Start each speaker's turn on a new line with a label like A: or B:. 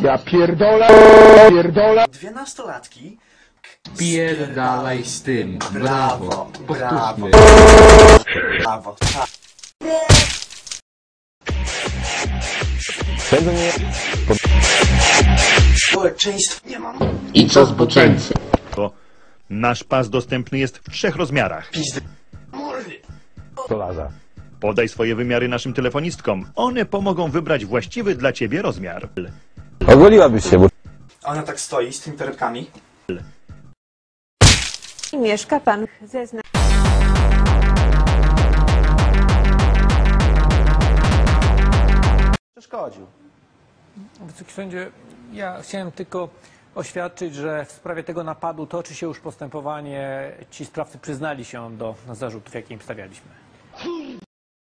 A: Ja pierdolę, pierdolę.
B: Dwie nastolatki.
C: Pierdalaj z tym. Brawo. Powtórzmy.
B: Brawo. Tak.
A: Będę mnie...
B: Społeczeństwo nie mam.
C: I co zboczeńcy?
D: Nasz pas dostępny jest w 3 rozmiarach.
B: Pizdy. Mordy.
A: Stolarza.
D: Podaj swoje wymiary naszym telefonistkom. One pomogą wybrać właściwy dla ciebie rozmiar.
A: Ogoliłabyś się, bo...
B: Ona tak stoi z tymi torebkami.
E: I mieszka pan zezna.
B: Przeszkodził.
F: Wysoki sędzie, ja chciałem tylko oświadczyć, że w sprawie tego napadu toczy się już postępowanie. Ci sprawcy przyznali się do zarzutów, jakie im stawialiśmy.